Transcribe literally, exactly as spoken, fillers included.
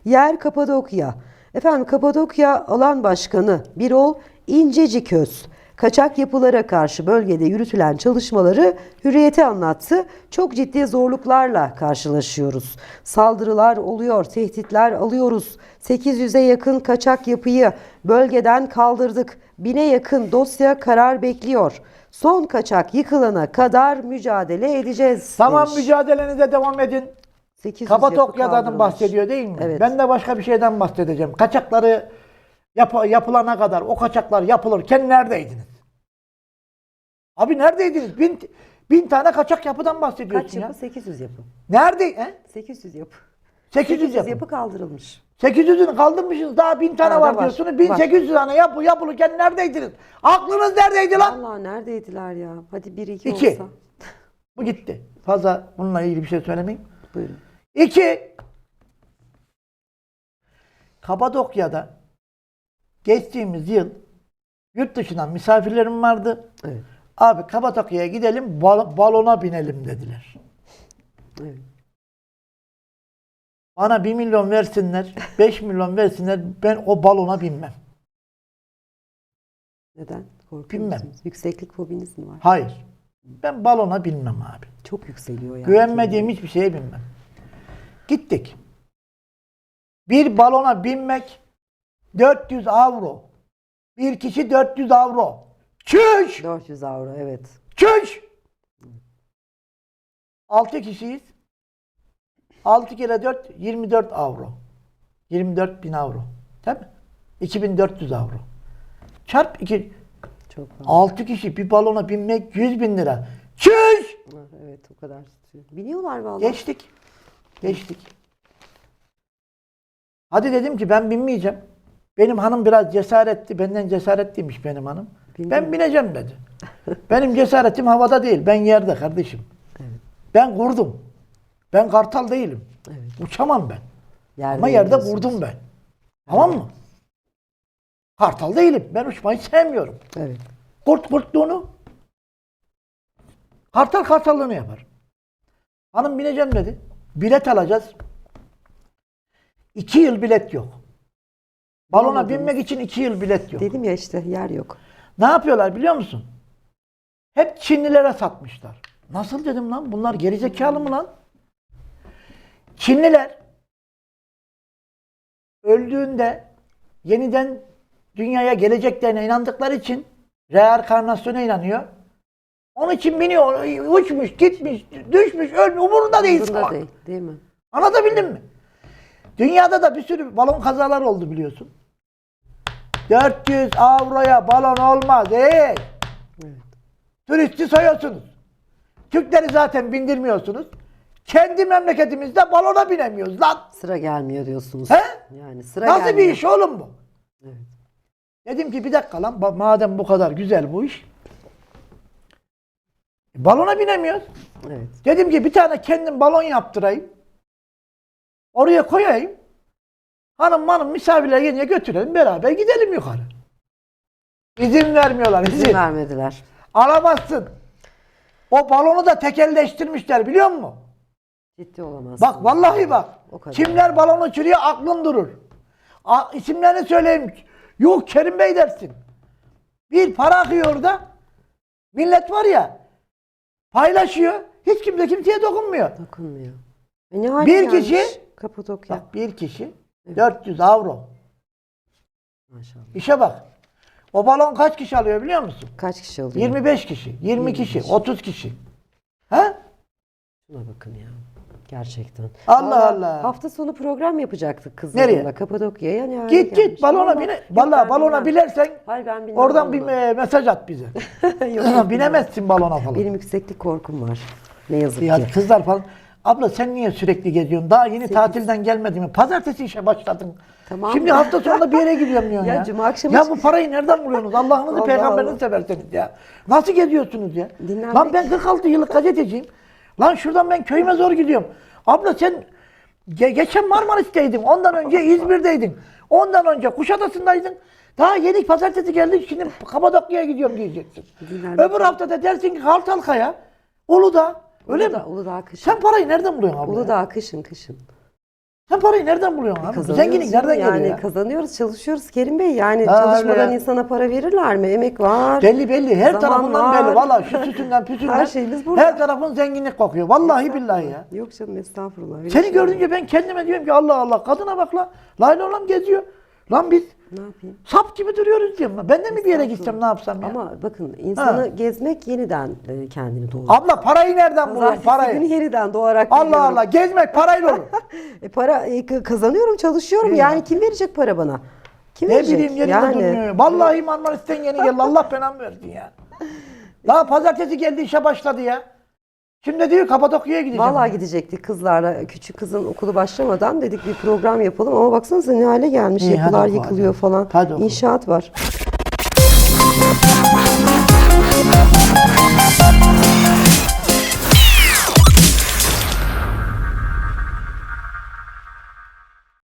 Yer Kapadokya. Efendim Kapadokya Alan Başkanı Birol İnceciköz kaçak yapılara karşı bölgede yürütülen çalışmaları Hürriyet'e anlattı. Çok ciddi zorluklarla karşılaşıyoruz. Saldırılar oluyor, tehditler alıyoruz. sekiz yüze yakın kaçak yapıyı bölgeden kaldırdık. bine yakın dosya karar bekliyor. Son kaçak yıkılana kadar mücadele edeceğiz Tamam, demiş. mücadelenize devam edin. sekiz yüz Kapadokya'dan yapı bahsediyor değil mi? Evet. Ben de başka bir şeyden bahsedeceğim. Kaçakları yap yapılana kadar, o kaçaklar yapılırken neredeydiniz? Abi neredeydiniz? Bin, bin tane kaçak yapıdan bahsediyorsun Kaç ya. yapı? sekiz yüz yapı. Nerede? He? sekiz yüz yapı. sekiz yüz yapı. yapı kaldırılmış. sekiz yüzünü kaldırmışsınız. Daha bin tane Daha var, da var, diyorsunuz. bin sekiz yüz tane yapı yapılırken neredeydiniz? Aklınız neredeydi lan? Allah neredeydiler ya? Hadi bir iki, İki. olsa. Bu gitti. Fazla bununla ilgili bir şey söylemeyeyim. Buyurun. İki. Kapadokya'da geçtiğimiz yıl yurt dışından misafirlerim vardı. Evet. Abi Kapadokya'ya gidelim, bal- balona binelim dediler. Evet. Bana bir milyon versinler, beş milyon versinler, ben o balona binmem. Neden? Korkuyor Bilmem. musunuz? Yükseklik fobiniz mi var? Hayır. Ben balona binmem abi. Çok yükseliyor yani. Güvenmediğim hiçbir şeye binmem. Gittik. Bir balona binmek dört yüz avro. Bir kişi dört yüz avro. Çüş! dört yüz avro evet. Çüş! altı kişiyiz. altı kere dört, yirmi dört avro. yirmi dört bin avro. Değil mi? iki bin dört yüz avro. Çarp iki. Çok fazla. altı kişi bir balona binmek yüz bin lira. Çüş! Evet o kadar tutuyor. Biniyorlar vallahi. Geçtik. Geçtik. Hadi dedim ki ben binmeyeceğim. Benim hanım biraz cesaretli. Benden cesaretliymiş benim hanım. Bindin Ben mi? bineceğim dedi. Benim cesaretim havada değil. Ben yerde kardeşim. Evet. Ben kurdum. Ben kartal değilim. Evet. Uçamam ben. Yerde Ama yerde gidiyorsunuz. vurdum ben. Tamam mı? Kartal değilim. Ben uçmayı sevmiyorum. Evet. Kurt kurtluğunu, kartal kartallığını yapar. Hanım bineceğim dedi. Bilet alacağız. İki yıl bilet yok. Balona Anladınız. binmek için iki yıl bilet yok. Dedim ya işte yer yok. Ne yapıyorlar biliyor musun? Hep Çinlilere satmışlar. Nasıl dedim lan? Bunlar gerizekalı mı lan? Çinliler öldüğünde yeniden dünyaya geleceklerine inandıkları için reenkarnasyona inanıyor. Onun için biniyor, uçmuş, gitmiş, düşmüş, ölmüş, umurunda değil. Umurunda salak. değil, değil mi? Anlatabildim mi? Dünyada da bir sürü balon kazaları oldu biliyorsun. dört yüz avroya balon olmaz. Ey! Evet. Turisti soyuyorsunuz. Türkleri zaten bindirmiyorsunuz. Kendi memleketimizde balona binemiyoruz lan. Sıra gelmiyor diyorsunuz. He? Yani sıra Nasıl gelmiyor. bir iş oğlum bu? Evet. Dedim ki bir dakika lan, ba- madem bu kadar güzel bu iş. e, Balona binemiyoruz. Evet. Dedim ki bir tane kendim balon yaptırayım. Oraya koyayım. Hanım hanım misafirler gelince götürelim, beraber gidelim yukarı. İzin vermiyorlar, izin. İzin vermediler. Alamazsın. O balonu da tekelleştirmişler biliyor musun? Ciddi olamaz. Bak vallahi bak. O kadar. Kimler balon uçuruyor aklın durur. A, isimlerini söyleyeyim. Yok Kerim Bey dersin. Bir para akıyor orada. Millet var ya paylaşıyor. Hiç kimse kimseye dokunmuyor. Dokunmuyor. E ne hale Bir gelmiş kişi- Kapadokya. Bak bir kişi Evet. dört yüz avro. Maşallah. İşe bak. O balon kaç kişi alıyor biliyor musun? Kaç kişi alıyor? yirmi beş kişi, yirmi yirmi kişi, beş. otuz kişi. Ha? Şuna bakın ya. Gerçekten. Allah Vallahi Allah. Hafta sonu program yapacaktık kızlarımla. Nereye? Kapadokya'ya. Yani hale Git gelmiş. git balona Vallahi- bine. Yok, Vallahi ben balona bilmem. bilersen Hayır ben bilmem. oradan bir vallahi. e, mesaj at bize. Yok, yok, Binemezsin balona falan. Benim yükseklik korkum var. Ne yazık Ya ki. kızlar falan. Abla sen niye sürekli geziyorsun? Daha yeni Sekiz. tatilden gelmedin mi? Pazartesi işe başladın. Tamam. Şimdi hafta sonunda bir yere gidiyorum diyorsun ya. Ya cuma akşamı Ya çık- bu parayı nereden buluyorsunuz? Allah'ınızı Allah peygamberinizi Allah. severseniz ya. Nasıl geziyorsunuz ya? Dinlenmek- Lan ben kırk altı yıllık gazeteciyim. Lan şuradan ben köyüme zor gidiyorum. Abla sen ge- geçen Marmaris'teydin. Ondan önce İzmir'deydin. Ondan önce Kuşadası'ndaydın. Daha yeni pazartesi geldik. Şimdi Kapadokya'ya gidiyorum diyeceksin. Dinlenmek- Öbür hafta da dersin ki Kartalkaya, Uludağ. Öyle Uludağ- mi? Uludağ kışın. Sen parayı nereden buluyorsun abla? ya? Uludağ kışın kışın. Sen parayı nereden buluyorsun abi? Kazanıyoruz Zenginlik canım, nereden yani geliyor ya? kazanıyoruz, çalışıyoruz Kerim Bey. Yani Ha, çalışmadan öyle ya. insana para verirler mi? Emek var. Belli belli. Her zaman tarafından var. belli. Valla şu sütünden püsünden. Her şeyimiz burada. Her tarafın zenginlik kokuyor. Vallahi billahi ya. Yok canım, estağfurullah. Öyle Seni şey görünce ben kendime diyorum ki Allah Allah kadına bak la. Layla oğlan geziyor. Lan biz Ne yapayım? sap gibi duruyoruz diyorum. Ben de mi bir yere gitsem ne yapsam ya? Ama bakın, insanı Ha. gezmek yeniden e, kendini doğurur. Abla parayı nereden buluyorsun Pazartesi günü parayı? yeniden doğarak Allah geliyorum. Allah gezmek parayla olur. E, para e, k- kazanıyorum, çalışıyorum. İyi Yani ya. kim verecek para bana? Kim Ne verecek? bileyim yerinde yani, durmuyor. Vallahi Marmaris'ten yeni geldi. Allah belamı versin ya. Daha pazartesi geldi işe başladı ya. Şimdi diyor Kapadokya'ya gideceğim. Vallahi gidecektik kızlarla. Küçük kızın okulu başlamadan dedik bir program yapalım ama baksanıza ne hale gelmiş. İyi, hadi Yapılar oku, yıkılıyor hadi. falan. Hadi oku. İnşaat var.